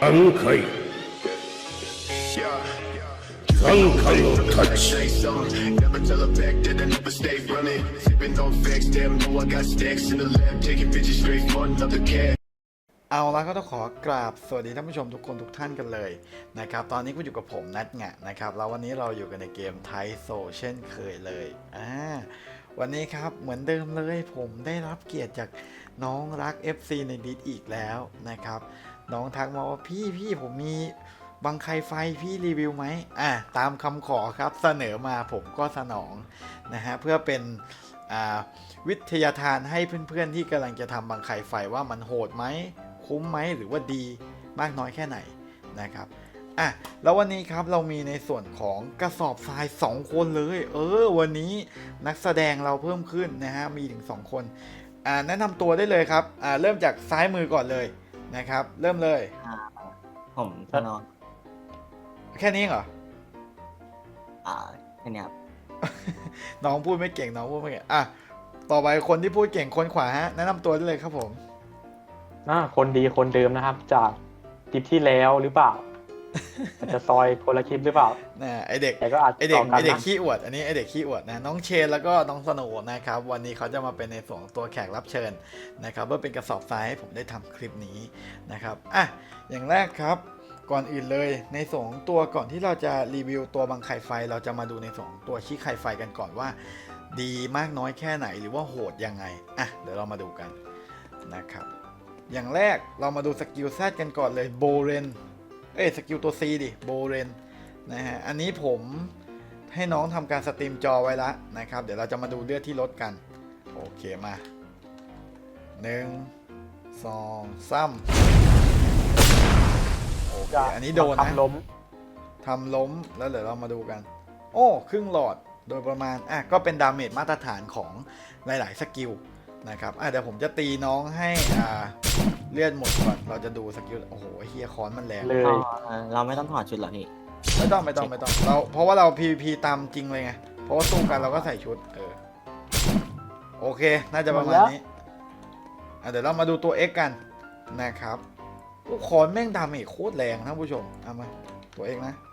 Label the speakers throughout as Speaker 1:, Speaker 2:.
Speaker 1: 3回3回のタッチ
Speaker 2: Never tell her back that I never stay running. Sipping on facts, damn, know I got stacks in the lab. Taking bitches straight for another cat.
Speaker 3: เอาละก็ต้องขอกราบสวัสดีท่านผู้ชมทุกคนทุกท่านกันเลยนะครับตอนนี้คุณอยู่กับผมนัทงะนะครับแล้ววันนี้เราอยู่กันในเกมไทโซเช่นเคยเลยวันนี้ครับเหมือนเดิมเลยผมได้รับเกียรติจากน้องรัก FC ในดิสอีกแล้วนะครับน้องทักมาว่าพี่ผมมีบังไคไฟพี่รีวิวไหมตามคำขอครับเสนอมาผมก็สนองนะฮะเพื่อเป็นวิทยาทานให้เพื่อนๆที่กำลังจะทำบังไคไฟว่ามันโหดไหมคุ้มไหมหรือว่าดีมากน้อยแค่ไหนนะครับแล้ววันนี้ครับเรามีในส่วนของกระสอบทราย2คนเลยวันนี้นักแสดงเราเพิ่มขึ้นนะฮะมีถึง2คนแนะนำตัวได้เลยครับเริ่มจากซ้ายมือก่อนเลยนะครับเริ่มเลย
Speaker 4: ผมธนนท์
Speaker 3: แค่นี้เหรอ
Speaker 4: แค่นี้ครับ
Speaker 3: น้องพูดไม่เก่งน้องพูดไม่เก่งต่อไปคนที่พูดเก่งคนขวาฮะแนะนำตัวได้เลยครับผม
Speaker 5: คนดีคนเดิมนะครับจากคลิปที่แล้วหรือเปล่า จะซอยคนละคลิปหรือเปล่า
Speaker 3: ไอเด็ก
Speaker 5: แต่ก็อาจ
Speaker 3: ไอเด็กขี้อวดอันนี้ไอเด็กขี้อวดนะน้องเชนแล้วก็น้องสโนว์นะครับวันนี้เขาจะมาเป็นในส่วนของตัวแขกรับเชิญนะครับเพื่อเป็นกระสอบทรายให้ผมได้ทำคลิปนี้นะครับอย่างแรกครับก่อนอื่นเลยในส่วนของตัวก่อนที่เราจะรีวิวตัวบังไข่ไฟเราจะมาดูในส่วนของตัวชี้ไข่ไฟกันก่อนว่าดีมากน้อยแค่ไหนหรือว่าโหดยังไงเดี๋ยวเรามาดูกันนะครับอย่างแรกเรามาดูสกิลแซดกันก่อนเลยโบเรนสกิลตัว C ดิโบเรนนะฮะอันนี้ผมให้น้องทำการสตรีมจอไว้แล้วนะครับเดี๋ยวเราจะมาดูเลือดที่ลดกันโอเคมา1 2 3โอเคอันนี้โดนนะทำล้มแล้วเดี๋ยวเรามาดูกันครึ่งหลอดโดยประมาณก็เป็นดาเมจมาตรฐานของหลายๆสกิลนะครับเดี๋ยวผมจะตีน้องให้เลือดหมดก่อนเราจะดูสกิลโอ้โหเฮียคอนมันแรง
Speaker 5: เลย
Speaker 4: เราไม่ต้องถอดชุดหรอพี่
Speaker 3: ไม่ต้องเราเพราะว่าเรา PVP ตามจริงเลยไงเพราะว่าสู้กันเราก็ใส่ชุดโอเคน่าจะประมาณนี้เดี๋ยวเรามาดูตัว X กันนะครับคอนแม่งดาเมจโคตรแรงท่านผู้ชมมาตัว X นะ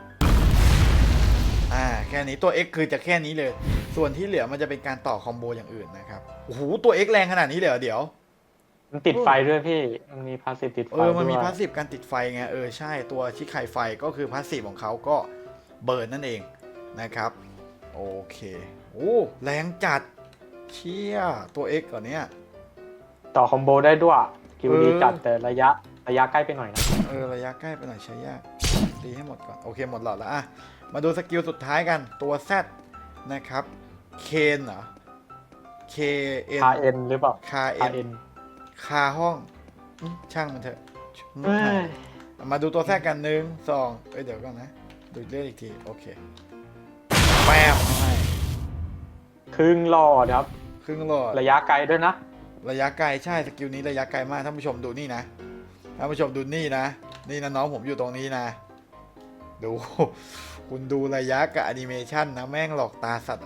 Speaker 3: แค่นี้ตัว X คือจะแค่นี้เลยส่วนที่เหลือมันจะเป็นการต่อคอมโบอย่างอื่นนะครับโอ้โหตัว X แรงขนาดนี้เลยเดี๋ยว
Speaker 5: มันติดไฟด้วยพี่มันมีพาสซีฟติดไฟ
Speaker 3: มันมีพาสซีฟการติดไฟไงใช่ตัวชิคไคไฟก็คือพาสซีฟของเขาก็เบิร์นนั่นเองนะครับโอเคแรงจัดเชี่ยตัว X ก่อนเนี้ย
Speaker 5: ต่อคอมโบได้ด้วยคิวดีจัดแต่ระยะใกล้ไปหน่อยนะ
Speaker 3: ระยะใกล้ไปหน่อยใช้ยากตีให้หมดก่อนโอเคหมดหลอดแล้วมาดูสกิลสุดท้ายกันตัว Z นะครับเคนเหรอ KN
Speaker 5: คาเอ็นหรือเปล่า
Speaker 3: คาห้องช่างมันเถอะมาดูตัวแทรกกัน1 2เดี๋ยวก่อนนะดูเรื่อยอีกทีโอเคแป๊บ
Speaker 5: ครึ่งหลอดครับ
Speaker 3: ครึ่งหลอด
Speaker 5: ระยะไกลด้วยนะ
Speaker 3: ระยะไกลใช่สกิลนี้ระยะไกลมากท่านผู้ชมดูนี่นะท่านผู้ชมดูนี่นะน้องผมอยู่ตรงนี้นะดูคุณดูระยะกับแอนิเมชันนะแม่งหลอกตาสัตว์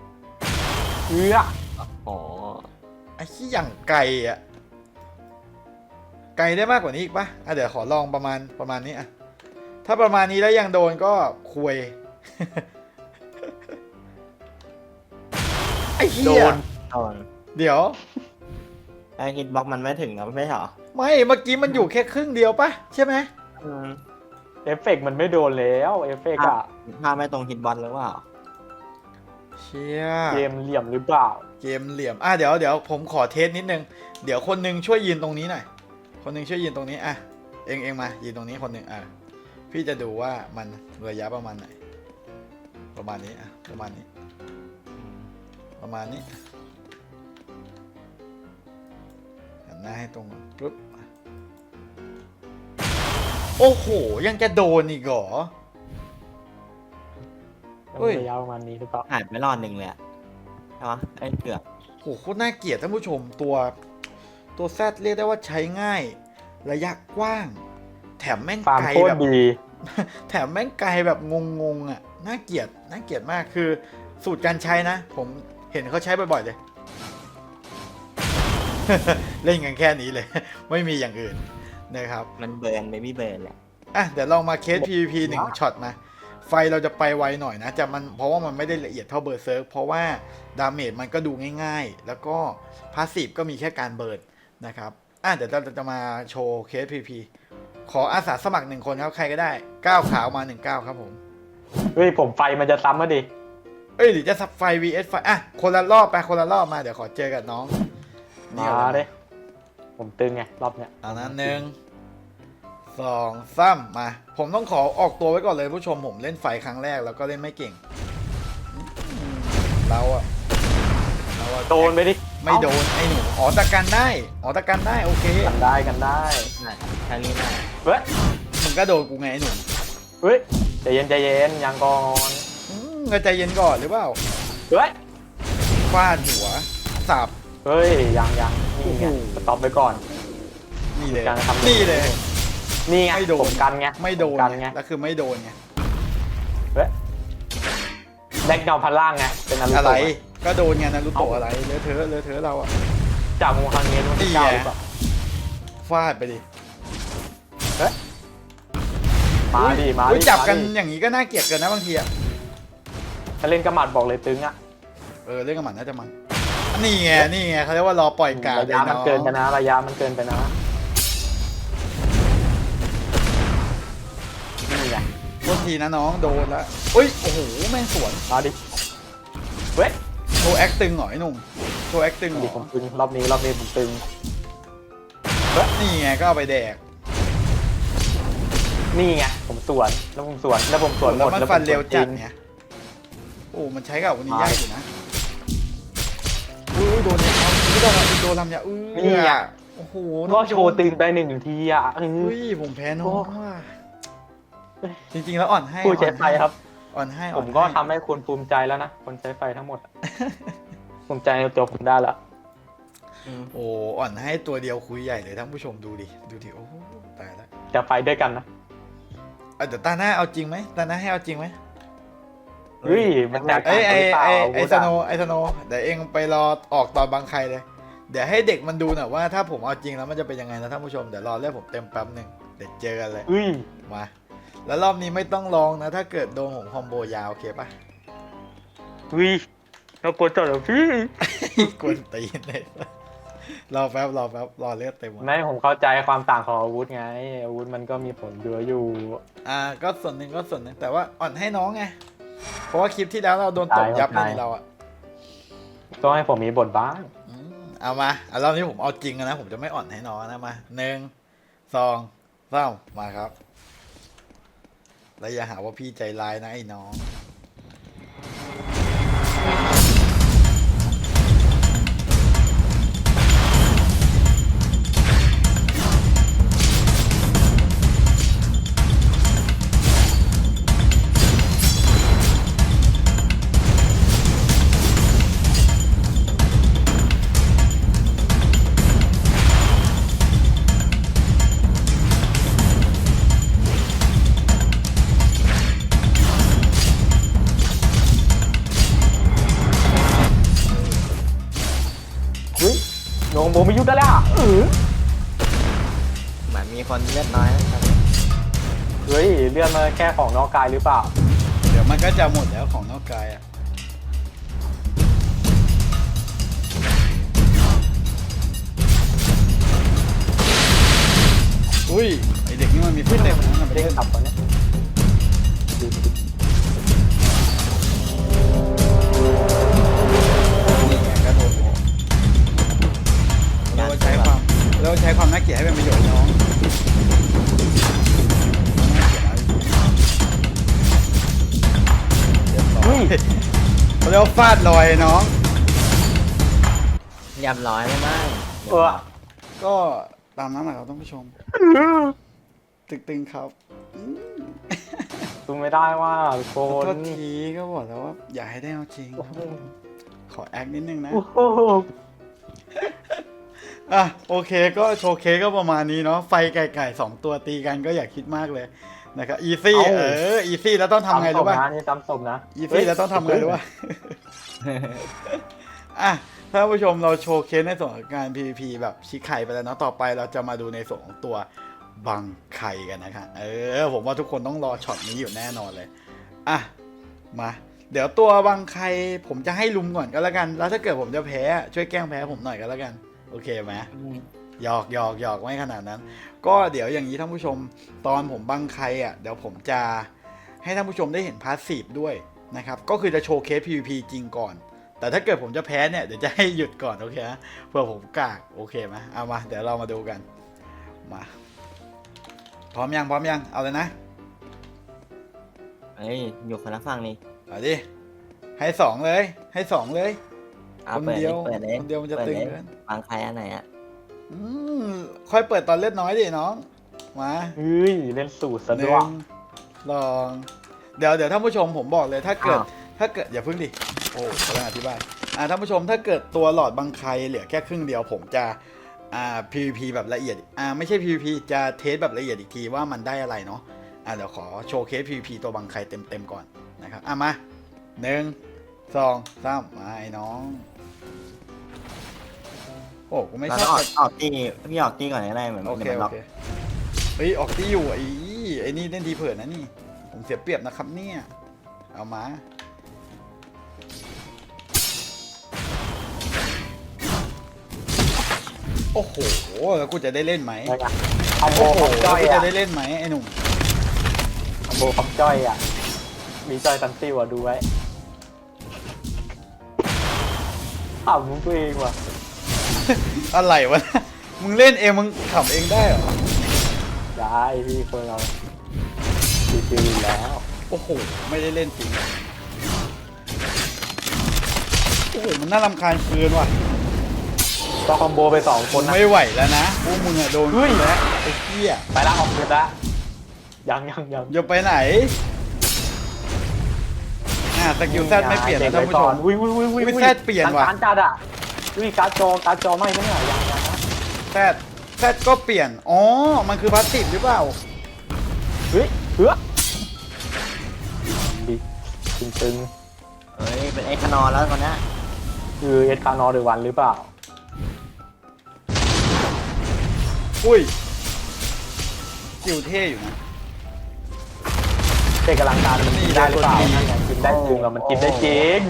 Speaker 3: ไอ้ที่อย่างไกลไกลได้มากกว่านี้อีกปะเดี๋ยวขอลองประมาณนี้ถ้าประมาณนี้แล้วยังโดนก็คุยไอ้เหี้ยเดี๋ยว
Speaker 4: ไอ้ฮิตบ็อกมันไม่ถึงนะไม่ใช่หรอ
Speaker 3: ไม่เมื่อกี้มันอยู่แค่ครึ่งเดียวปะใช่ไหม
Speaker 5: เอฟเฟกมันไม่โดนแล้วเอฟเฟก
Speaker 4: ถ้าไม่ตรงฮิตบอลหรือเปล่า
Speaker 3: เชี่ย
Speaker 5: เกมเหลี่ยมหรือเปล่า
Speaker 3: เกมเหลี่ยมเดี๋ยวผมขอเทสนิดนึงเดี๋ยวคนนึงช่วยยืนตรงนี้หน่อยคนนึงช่วยยืนตรงนี้เองมายืนตรงนี้คนนึงพี่จะดูว่ามันระยะประมาณไหนประมาณนี้ประมาณนี้หันหน้าให้ตรงกันปุ๊บโอ้โหยังจะโดนอีกเหรอ
Speaker 5: ระยะประมาณนี้หรือเปล่า
Speaker 4: หายไปรอดหนึ่งเลยใช่ปะเกือบ
Speaker 3: โหโคตรน่าเกลียดท่านผู้ชมตัวแซดเรียกได้ว่าใช้ง่ายระยะกว้างแถมแม่งไกลแบบแถมแม่งไกลแบบงงน่าเกลียดมากคือสูตรการใช้นะผมเห็นเขาใช้บ่อยๆเลย เล่นกันแค่นี้เลยไม่มีอย่างอื่นนะครับ
Speaker 4: มันเบิร์นเบบี้เบิร์นแหละ
Speaker 3: อ่ะเดี๋ยวลองมาเคส PVP 1ช็อตมาไฟเราจะไปไวหน่อยนะจะมันเพราะว่ามันไม่ได้ละเอียดเท่าเบอร์เซิร์กเพราะว่าดาเมจมันก็ดูง่ายๆ แล้วก็พาสซีฟก็มีแค่การเบิร์นนะครับอ่ะเดี๋ยวเราจะมาโชว์เคส PVP ขออาสาสมัคร1คนครับใครก็ได้ก้าวขาวมา1ก้าวครับผม
Speaker 5: เฮ้ยผมไฟมันจะซ้ำมาดิ
Speaker 3: เอ้ยหรือจะซับไฟ vs ไฟอ่ะคนละรอบไปคนละรอบมาเดี๋ยวขอเจอกับน้อง
Speaker 5: มา
Speaker 3: ก่อน
Speaker 5: เด้ผมตึงไงรอบเนี้ย
Speaker 3: เอานั้น1 2 3มาผมต้องขอออกตัวไว้ก่อนเลยผู้ชมผมเล่นไฟครั้งแรกแล้วก็เล่นไม่เก่งเราอะ
Speaker 5: โดนไปดิ
Speaker 3: ไม่โดนไอ้หนูอ๋อตะกันได้อ๋อตะกันได้โอเค
Speaker 5: กันได้กันได้
Speaker 4: น่ะแค่นี้น่ะ
Speaker 5: เฮ้ย
Speaker 3: มึงก็โดนกูไงไอ้หนู
Speaker 5: เฮ้ยใจเย็นใจเย็นยังก่อน
Speaker 3: ก็ใจเย็นก่อนหรือเปล่า
Speaker 5: เฮ้ย
Speaker 3: ฟาดหัวสับ
Speaker 5: เฮ้ยยังนี่ไง
Speaker 3: โอ้โห
Speaker 5: สต็อปไปก่อน
Speaker 3: นี่เลย
Speaker 5: การทำ
Speaker 3: นี่เลย
Speaker 5: นี่ไง
Speaker 3: ไม่โดน
Speaker 5: ผมกันไง
Speaker 3: ไม่โดน
Speaker 5: ผมกันไง
Speaker 3: แล้วคือไม่โดนไง
Speaker 5: เฮ้ยแดกเงาพันล่างไงเป็นนารู
Speaker 3: อะไร
Speaker 5: โตะ
Speaker 3: ก็โดนไงนารูโตะอะไรเลอะเทอะเราอะ
Speaker 5: จากมูฮังเงี้ยมัน
Speaker 3: นี่
Speaker 5: เก้า
Speaker 3: ไง
Speaker 5: หรือเปล่า
Speaker 3: ฟาดไปดิ
Speaker 5: มาดิมา
Speaker 3: อุ๊ย
Speaker 5: ดิ
Speaker 3: จับกัน
Speaker 5: มาดิ
Speaker 3: อย่างนี้ก็น่าเกลียดเกินนะบางทีอะ
Speaker 5: ถ้าเล่นกระหมัดบอกเลยตึงอ่ะ
Speaker 3: เรื่องกับมันน่าจะมันนี่ไงเขาเรียกว่ารอปล่อยกาด
Speaker 5: ระยะมันเกินไปนะระยะมันเกินไปนะนี่ไง
Speaker 3: โทษทีนะน้องโดนละอุ้ยโอ้โหแม่งสวน
Speaker 5: มาดิเว้ย
Speaker 3: โชว์แอคตึงหน่อยหนุ่มโชว์แอคตึงหน่
Speaker 5: ดิ
Speaker 3: อย
Speaker 5: ผมตึงรอบนี้ผมตึง
Speaker 3: นี่ไงก็เอาไปแดก
Speaker 5: นี่ไงผมสวนแล้วผมสวนห
Speaker 3: แล้ว
Speaker 5: ม
Speaker 3: มัน
Speaker 5: แล้ว
Speaker 3: ฟันเร็วจัด
Speaker 5: จริง
Speaker 3: ไงโอ้มันใช้กับวันนี้ยากอยู่นะอุ้ยโดนเนี่ยโดนลำยาอุ้ย
Speaker 5: นี่อ่ะ
Speaker 3: โอ้โห
Speaker 5: ก็โชว์ตึงไป1 ทีอ่ะ
Speaker 3: อุ้ยผมแพ้น้องว่ะจริงๆแล้วอ่อนให้
Speaker 5: ผู้ใช้ไฟครับ
Speaker 3: อ่อนให้
Speaker 5: ผมก็ทำให้คุณภูมิใจแล้วนะ คนใช้ไฟทั้งหมด ภูมิใจในตัวผมได้แล้ว
Speaker 3: โอ้อ่อนให้ตัวเดียวคุยใหญ่เลยท่านผู้ชมดูดิโอ้ตายแล้ว
Speaker 5: จะไฟด้วยกันนะ
Speaker 3: เดี๋ยวตาหน้าเอาจริงไหมตาหน้าให้เอาจริงไหม
Speaker 5: เฮ้ยมันแตก
Speaker 3: ไอ้
Speaker 5: ต่างกันหรือเปล่า
Speaker 3: ไอ้สโนเดี๋ยวเองไปรอออกตอนบางใครเลย เดี๋ยวให้เด็กมันดูหน่อยว่าถ้าผมเอาจริงแล้วมันจะเป็นยังไงนะท่านผู้ชมเดี๋ยวรอเลือกผมเต็มแป๊บหนึ่งเดี๋ยวเจอกันเลย
Speaker 5: เฮ้ย
Speaker 3: มาแล้วรอบนี้ไม่ต้องลองนะ ถ้าเกิดโดนผมคอมโบยาวโอเคปะ
Speaker 5: เฮ้ยเรากดจอดเหรอพี่
Speaker 3: กวนตีนเลยรอแป๊บรอเลือดเต็มหมด
Speaker 5: ไม่ผมเข้าใจความต่างของอาวุธไง อาวุธมันก็มีผลเยอะอยู่
Speaker 3: ก็ส่วนหนึ่งแต่ว่าอ่อนให้น้องไงเพราะว่าคลิปที่แล้วเราโดนตบยับเลยเราอะ
Speaker 5: ต้องให้ผมมีบทบ้าง
Speaker 3: เอามารอบนี้ผมเอาจริงนะผมจะไม่อ่อนให้น้องนะมา1 2 3มาครับแล้วอย่าหาว่าพี่ใจร้ายนะไอ้น้อง
Speaker 5: เฮ้ยโหนงโบไม่ยุดได้แล้วอะ
Speaker 4: เหมือนมีคนเลือดน้อยนะครับ
Speaker 5: เฮ้ยเลื่อนมาแค่ของนอกกายหรือเปล่า
Speaker 3: เดี๋ยวมันก็จะหมดแล้วของนอกกายอะอุ้ยไอเด็กนี่มันมีฟิตเนสนะมันไป
Speaker 5: เด้ง
Speaker 3: เล่น
Speaker 5: ขับตอนเนี้ยดูดิ
Speaker 3: นี่ไงก็โดนผมเราใช้ความน่าเกลียดให้เป็นประโยชน์น้องน่าเกลียดอะไรเรียบร้อยเขาเรียกว่าฟาดลอยน้อง
Speaker 4: เรียบร้อยแล้วมั้ง
Speaker 3: ก็ตามนั้นแหละครับท่านผู้ชม ตึงๆครับ
Speaker 5: ดูไม่ได้ว่าทุกค
Speaker 3: ขอน โทษทีก็บอกแล้วว่าอย่าให้ได้เอาจริงครับขอแอคนิดนึงนะ
Speaker 5: โอ้โห
Speaker 3: อ่ะโอเคก็โชว์เคสก็ประมาณนี้เนาะไฟไก่2ตัวตีกันก็อย่าคิดมากเลยนะครับอีซี่อีซี่แล้วต้องทำไงรู้ป่ะ
Speaker 5: ซ้ำศพนะนี่ซ้ำศพนะ
Speaker 3: อีซี่แล้วต้องทำไงรู้ป่ะ อ่ะท่านผู้ชมเราโชว์เคสในส่วนของการ PVP แบบชิคไข่ไปแล้วเนาะต่อไปเราจะมาดูในส่วนของตัวบังไคกันนะครับผมว่าทุกคนต้องรอช็อตนี้อยู่แน่นอนเลยอ่ะมาเดี๋ยวตัวบังไคผมจะให้ลุมก่อนก็แล้วกันแล้วถ้าเกิดผมจะแพ้ช่วยแกล้งแพ้ผมหน่อยก็แล้วกันโอเคไหมหยอกไม่ขนาดนั้น ก็เดี๋ยวอย่างนี้ท่านผู้ชมตอนผมบังไคอ่ะเดี๋ยวผมจะให้ท่านผู้ชมได้เห็นพาสซีฟด้วยนะครับก็คือจะโชว์เคส PVP จริงก่อนแต่ถ้าเกิดผมจะแพ้เนี่ยเดี๋ยวจะให้หยุดก่อนโอเคนะเพื่อผมกากโอเคไหมเอามาเดี๋ยวเรามาดูกันมาพร้อมยังเอาเลยนะ
Speaker 4: เอ้ยอยู่คนละฝั่งนี่
Speaker 3: เอาดิให้สองเลย
Speaker 4: เอา
Speaker 3: คนเดียว
Speaker 4: เปิดเลย
Speaker 3: คนเดียวมันจะ
Speaker 4: ปิด
Speaker 3: ตึง
Speaker 4: เลย
Speaker 3: เกิน
Speaker 4: ฟังใครอันไหนอ่ะ
Speaker 3: ค่อยเปิดตอนเล่นน้อยดิน้องมา
Speaker 5: เฮ้ยเล่นสูตรซะ
Speaker 3: ห
Speaker 5: ด้
Speaker 3: นึ่
Speaker 5: วย
Speaker 3: งลองเดี๋ยวท่านผู้ชมผมบอกเลยถ้าเกิดอย่าพึ่งดิโอ้กำลังอธิบายท่านผู้ชมถ้าเกิดตัวหลอดบังไคเหลือแค่ครึ่งเดียวผมจะPVP แบบละเอียดไม่ใช่ PVP จะเทสแบบละเอียดอีกทีว่ามันได้อะไรเนาะเดี๋ยวขอโชว์เคส PVP ตัวบังไคเต็มก่อนนะครับมา1 2 3มาไอ้น้องโอ้กูไม่
Speaker 4: เรา
Speaker 3: ช
Speaker 4: ต้
Speaker 3: อ
Speaker 4: อบ งออกตีพี่ออกตีก่อนก็ได้เหมือน
Speaker 3: โอเค
Speaker 4: เดี๋ยวมันล็อก
Speaker 3: เฮ้ยออกที่อยู่ไอ้นี่เล่นทีเผินนะนี่ผมเสียเปรียบนะครับเนี่ยเอามาโอ้โหแล้วกูจะได้เล่นไหม
Speaker 5: คอมโบ
Speaker 3: โอ้โห
Speaker 5: คอมจ้อย
Speaker 3: กู
Speaker 5: อ่ะ
Speaker 3: จะได้เล่นไหมไอ้หนุ่ม
Speaker 5: คอมโบคอมจ้อยอ่ะมีจอยตันซิวอ่ะดูไว้อ้าวมึงตัวเองว่ะ
Speaker 3: อะไรวะมึงเล่นเองมึงขำเองได้เหรอ
Speaker 5: ได้พี่คนเราชิวๆแล้ว
Speaker 3: โอ้โหไม่ได้เล่นจริงโอ้โหมันน่ารำคาญเกินว่ะ
Speaker 5: ก็คอมโบไป2คนนะ
Speaker 3: ไม่ไหวแล้วนะพวกมึงอะโดน
Speaker 5: เฮ้ย
Speaker 3: แล้วไอ้เหี้ย
Speaker 5: ไปละออกเกินละยัง
Speaker 3: อย่าไปไหนสกิลแซดไม่เปลี่ยนนะท่านผู้ชม
Speaker 5: อุ้ย
Speaker 3: อุ๊ยแซดเปลี่ยนว่ะ
Speaker 5: การจัดอ่ะอุ้ยการ์ดจอไม่เนี่ยยังนะ
Speaker 3: แซดก็เปลี่ยนอ๋อมันคือพาสซีฟหรือเปล่า
Speaker 5: เฮ้ยดิตึง
Speaker 4: เฮ้ยเป็นไอ้ขนอแล้วคนนี้
Speaker 5: คือเอสคานอร์หรือวันหรือเปล่า
Speaker 3: อุ้ยสกิลเท่อยู่นะ
Speaker 5: เด็กกำลังการมันกินได้หรือเปล่านั่นไงกินได้จริงแล้วมันกินได้จริง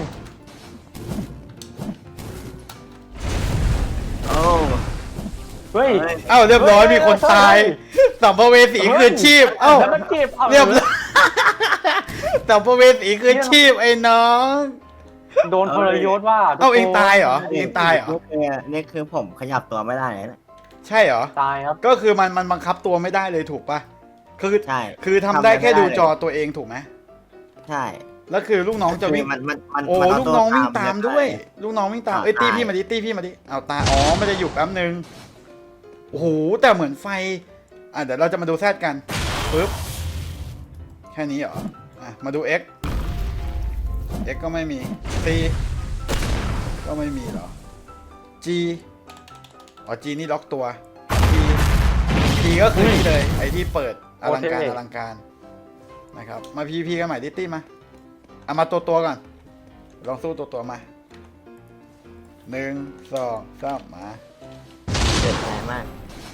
Speaker 4: โอ้
Speaker 5: เฮ้ย
Speaker 3: เอ้าเรียบร้อยมีคนตายสัมภเวสีคืนชีพเอ้า
Speaker 5: แล้วมันเก็บ
Speaker 3: เรียบร้อยสัมภเวสีคืนชีพไอ้น้อง
Speaker 5: โดนพลยศว่า
Speaker 3: เอ้าเองตายเหรอเองตายเหรอ
Speaker 4: นี่คือผมขยับตัวไม่ได้เลยนะ
Speaker 3: ใช่เหรอ
Speaker 5: ตายครับ
Speaker 3: ก็คือมันบังคับตัวไม่ได้เลยถูกปะคือ
Speaker 4: ใช่
Speaker 3: คือทำได้แค่ดูจอตัวเองถูกไหม
Speaker 4: ใช่
Speaker 3: แล้วคือลูกน้องจะวิ่ง
Speaker 4: มัน
Speaker 3: โอ้
Speaker 4: มัน
Speaker 3: ลูกน้องวิ่งตามด้วย ลูกน้องวิ่งตาม
Speaker 4: อ่า
Speaker 3: เอ้ยตี
Speaker 4: ตาย
Speaker 3: พี่มาดิเอาตาอ๋อมันจะอยู่แป๊บนึงโอ้โหแต่เหมือนไฟเดี๋ยวเราจะมาดูแซดกันปึ๊บแค่นี้เหรอมาดู X ก็ไม่มี C ก็ไม่มีเหรอ G อ๋อ G นี่ล็อกตัว T ก็คือนี่เลยไอที่เปิดอลังการนะครับมา PVP กันใหม่ดิตี้มาเอามาตัวก่อนลองสู้ตัวมา1 2 3มา
Speaker 4: เกิดใจมาก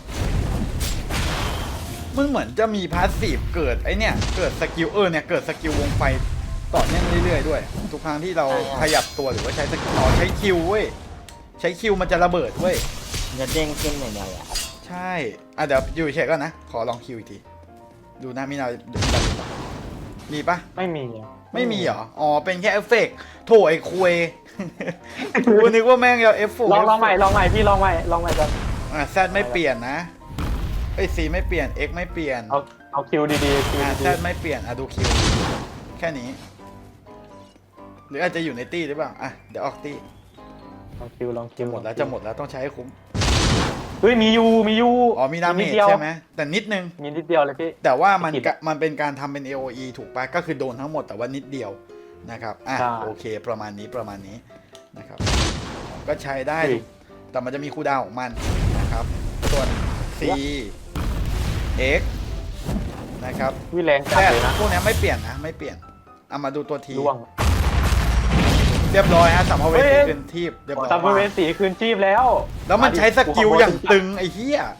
Speaker 3: มึงเหมือนจะมีพาสซีฟเกิดไอเนี่ยเกิดสกิลเนี่ยเกิดสกิลวงไฟต่อเนื่องเรื่อยๆด้วยทุกครั้งที่เราขยับตัวหรือว่าใช้สกิลใช้คิวเว้ยใช้คิวมันจะระเบิดเว้ย
Speaker 4: มันจะเด้งขึ้นอย่างเดียวเลยอะ
Speaker 3: ใช่เดี๋ยวอยู่เฉยๆก่อนนะขอลองคิวอีกทีดูนะมีนามีปะ
Speaker 5: ไม่มีอะ
Speaker 3: ไม่มีเหรออ๋อเป็นแค่เอฟเฟกต์โถไอ้คุย กูนึกว่าแม่งจะเอฟเฟกต์
Speaker 5: ลองใหม่พี่ลองใหม่กัน
Speaker 3: แซดไม่เปลี่ยนนะไอ้ซีไม่เปลี่ยน X ไม่เปลี่ยน
Speaker 5: เอาคิวดีๆคิว
Speaker 3: แซ
Speaker 5: ดี
Speaker 3: ดไม่เปลี่ยนดูคิวแค่นี้ หรืออาจจะอยู่ในตี้หรือเปล่าเดี๋ยวออกตี้
Speaker 5: ลองคิว
Speaker 3: หมดแล้วจะหมดแล้วต้องใช้ให้คุ้ม
Speaker 5: เฮ้ยมียู
Speaker 3: อ๋อมีดาเมจใช่ไหมแต่นิดนึง
Speaker 5: มีนิดเดียวเลยพี่
Speaker 3: แต่ว่ามัน
Speaker 5: ไม่ผิดอะ
Speaker 3: มันเป็นการทำเป็น AOE ถูกปะก็คือโดนทั้งหมดแต่ว่านิดเดียวนะครับ
Speaker 5: ใช่
Speaker 3: โอเคประมาณนี้นะครับก็ใช้ได้
Speaker 5: เฮ้ย
Speaker 3: แต่มันจะมีคูลดาวน์ของมันนะครับส่วน C X นะครับ
Speaker 5: วิแรงจัด
Speaker 3: แต่
Speaker 5: เลยนะ
Speaker 3: พวกนี้ไม่เปลี่ยนนะไม่เปลี่ยนเอามาดูตัวที
Speaker 5: ล่วง
Speaker 3: เรียบร้อยฮะสัมภเว
Speaker 5: เฮ้
Speaker 3: สี
Speaker 5: ย
Speaker 3: คืนทีบเรียบร้อย
Speaker 5: สัมภเวสีคืนชีพแล้ว
Speaker 3: แล้วมันใช้สกิลอย่างตึงไอ้เหี้ย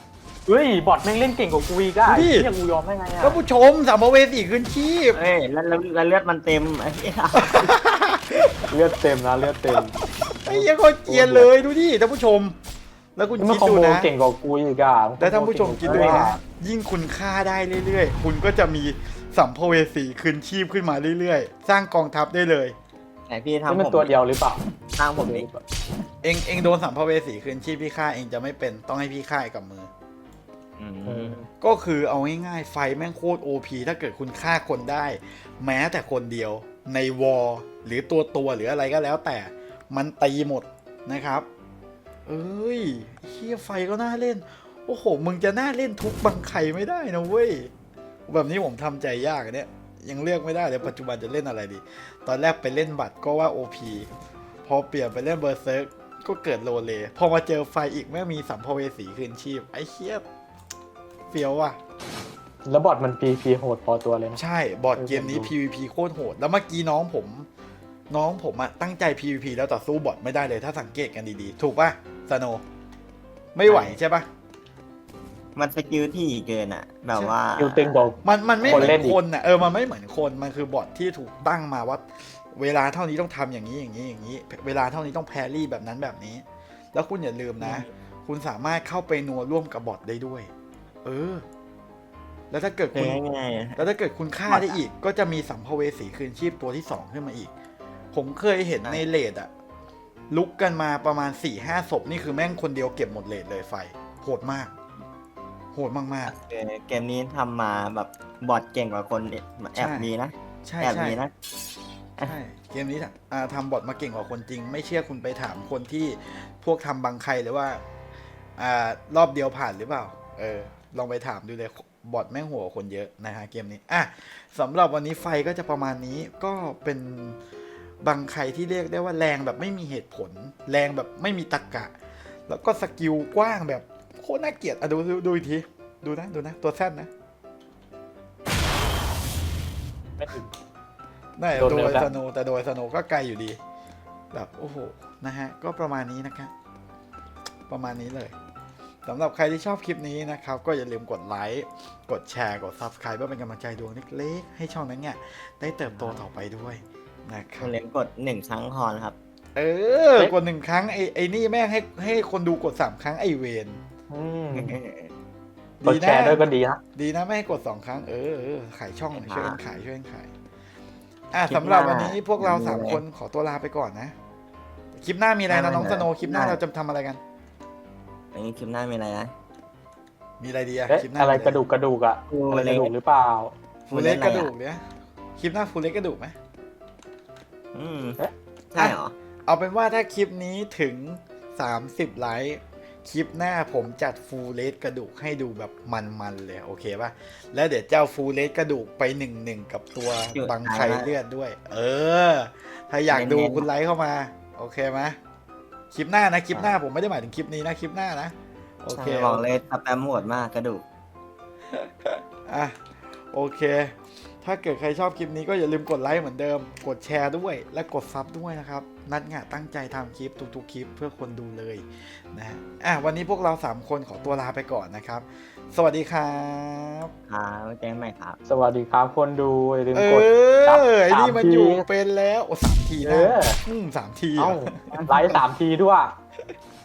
Speaker 5: เฮ้ยบอทแม่งเล่นเก่งกว่ากูอีกอะ
Speaker 3: ดูดิ
Speaker 5: ไอ้เหี้ยกูยอมได้ไงอะ
Speaker 3: ท่านผู้ชมสัมภเวสีคืนชีพ
Speaker 4: เอ้ยแล้วเลือดมันเต็มไอ้เหี้ย
Speaker 5: เลือดเต็มนะเลือดเต็ม
Speaker 3: ไอ้เหี้ยังก็เกรียนเลยดูดิท่านผู้ชม แล้วคุณ
Speaker 5: มัน
Speaker 3: คิด
Speaker 5: คอม
Speaker 3: ดู
Speaker 5: โบ
Speaker 3: นะ
Speaker 5: เก่งกว่ากูอีกอะ
Speaker 3: แล้วท่านผู้ชมคิดดูนะยิ่งคุณฆ่าได้เรื่อยๆ คุณก็จะมีสัมภเวสีคืนชีพขึ้นมาเรื่อยๆ สร้างกองทัพได้เลย
Speaker 4: ไหนพี่
Speaker 5: นี่
Speaker 4: ทำ
Speaker 5: มัน
Speaker 4: ผม
Speaker 5: ตัวเดียวหรือเปล่า
Speaker 4: สร้างผมดิ
Speaker 3: เองโดนสัมภเวสีคืนชีพพี่ฆ่าเองจะไม่เป็นต้องให้พี่ฆ่ากับมือ ก็คือเอาง่ายๆไฟแม่งโคตร OP ถ้าเกิดคุณฆ่าคนได้ แม้แต่คนเดียวในวอลหรือตัวหรืออะไรก็แล้วแต่มันตีหมดนะครับ เอ้ยเฮียไฟก็น่าเล่น โอ้โห มึงจะน่าเล่นทุกบังไข่ไม่ได้นะเว้ย แบบนี้ผมทำใจยากอะเนี่ยยังเลือกไม่ได้เลยปัจจุบันจะเล่นอะไรดี ตอนแรกไปเล่นบัตรก็ว่า OP พอเปลี่ยนไปเล่นเบอร์เซิร์กก็เกิดโลเลพอมาเจอไฟอีกแม่งมีสัมภเวสีคืนชีพไอ้เฮียเฟี้ยวว่ะ
Speaker 5: แล้วบอทมัน PVP โหดพอตัวเลยนะ
Speaker 3: ใช่ บอร์ดเกมนี้ PVP โคตรโหด แล้วเมื่อกี้น้องผมอะตั้งใจ PVP แล้วต่อสู้บอทไม่ได้เลยถ้าสังเกตกันดีๆ ถูกป่ะสโนไม่ไหวใช่ป่ะ
Speaker 4: มันสกิลที่เกินอ่ะ แบบว่า
Speaker 5: คิวตึงบอก
Speaker 3: มันไม่เห
Speaker 5: คน
Speaker 3: มือ
Speaker 5: เล่น
Speaker 3: น
Speaker 5: อีก
Speaker 3: คนอะมันไม่เหมือนคน มันคือบอทที่ถูกตั้งมาว่า เวลาเท่านี้ต้องทำอย่างนี้อย่างนี้อย่างนี้ เวลาเท่านี้ต้องแพรรี่แบบนั้นแบบนี้ แล้วคุณอย่าลืมนะ คุณสามารถเข้าไปนัวร่วมกับบอทได้ด้วย แล้วถ้าเกิด
Speaker 4: คือ
Speaker 3: คุณ
Speaker 4: ง่ายๆอะ
Speaker 3: แล้วถ้าเกิดคุณฆ่าได้อีก ก็จะมีสัมภเวสีคืนชีพตัวที่ 2 ขึ้นมาอีก ผมเคยเห็นในเลดอะลุกกันมาประมาณ 4-5 ศพ นี่คือแม่งคนเดียวเก็บหมดเลดเลยไฟ โหดมาก โหดมาก
Speaker 4: เกมนี้ทำมาแบบบอทเก่งกว่าคนแอบมีนะ
Speaker 3: ๆ ใช่
Speaker 4: แอบ
Speaker 3: ใช่
Speaker 4: มีนะ
Speaker 3: ใช่เกมนี้ทำบอทมาเก่งกว่าคนจริง ไม่เชื่อคุณไปถามคนที่พวกทำบังใครหรือว่ารอบเดียวผ่านหรือเปล่า ลองไปถามดูเลยบอทแม่งหัวคนเยอะนะฮะเกมนี้สำหรับวันนี้ไฟก็จะประมาณนี้ก็เป็นบางใครที่เรียกได้ว่าแรงแบบไม่มีเหตุผล แรงแบบไม่มีตรรกะ แล้วก็สกิลกว้างแบบโคตรน่าเกลียดดูอีกทีดูนะตัวแซดนะ
Speaker 5: ไม่ถึง
Speaker 3: ได้
Speaker 5: โดน
Speaker 3: โด
Speaker 5: เร็
Speaker 3: ยว
Speaker 5: แล้ว
Speaker 3: สโนแต่โดยสโนก็ไกลอยู่ดีแบบโอ้โหนะฮะก็ประมาณนี้นะครับประมาณนี้เลยสำหรับใครที่ชอบคลิปนี้นะครับ ก็อย่าลืมกดไลค์กดแชร์กด Subscribe เพื่อเป็นกำลังใจดวงเล็กๆให้ช่องนั้นเนี่ยได้เติบโตต่อไปด้วยนะค
Speaker 4: คุ
Speaker 3: รับ
Speaker 4: ณเล่นกด1 ครั้งพอนะครับ
Speaker 3: กด1 ครั้งไอ้นี่แม่งให้คนดูกด3 ครั้งไอเวน
Speaker 5: อืม
Speaker 3: ดี
Speaker 5: กด
Speaker 3: นะ
Speaker 5: แชร์ด้วยก็ดีนะ
Speaker 3: ดีนะไม่ให้กด2 ครั้งขายช่องหน่อยช่วยกันขาย
Speaker 4: คลิปหน้า
Speaker 3: สำหรับวันนี้พวกเรา3 คนขอตัวลาไปก่อนนะคลิปหน้ามีอะไรนะน้องสโนคลิปหน้าเราจะทำอะไรกัน
Speaker 4: อันนี้คลิปหน้ามีอะไรนะ
Speaker 3: มีอะไรดีอะ
Speaker 5: เอ๊ะ
Speaker 3: คลิปหน้า
Speaker 5: อะไร
Speaker 3: มี
Speaker 5: กระดูกอะ
Speaker 4: ฟู
Speaker 5: อะไร
Speaker 4: เล็
Speaker 5: ก
Speaker 4: ก
Speaker 5: ระดูกหรือเปล่า
Speaker 3: ฟูเล็กกระดูกเนี่ยคลิปหน้าฟูเล็กกระดูกไหม
Speaker 4: ใช่เหรอ
Speaker 3: เอาเป็นว่าถ้าคลิปนี้ถึง30 ไลค์คลิปหน้าผมจัดฟูลเลสกระดูกให้ดูแบบมันๆเลยโอเคป่ะแล้วเดี๋ยวเจ้าฟูลเลสกระดูกไป1-1กับตัว
Speaker 4: อยู่
Speaker 3: บังไข่เลือดด้วย ถ้าอยากดู
Speaker 4: เน้นๆ
Speaker 3: คุณไลค์เข้ามาโอเคไหมคลิปหน้านะคลิปหน้าผมไม่ได้หมายถึงคลิปนี้นะคลิปหน้านะโอเค
Speaker 4: ใช่บอกเลยสแปมโหดมากกระดูก
Speaker 3: โอเค ถ้าเกิดใครชอบคลิปนี้ก็อย่าลืมกดไลค์เหมือนเดิมกดแชร์ด้วยและกดซับด้วยนะครับนัดงะตั้งใจทำคลิปทุกๆคลิปเพื่อคนดูเลยนะวันนี้พวกเรา3 คนขอตัวลาไปก่อนนะครับ สวัสดีครับ
Speaker 4: ครับไว้เจอกันใหม่ครับ
Speaker 5: สวัสดีครับคนดูอย่าลืมกด
Speaker 3: ไอ้นี่มัน
Speaker 5: 3
Speaker 3: อยู่เป็นแล้ว3 ที
Speaker 5: เอ
Speaker 3: นะ
Speaker 5: อ
Speaker 3: 3 ที
Speaker 5: เอ้าไลค์3 ทีด้วย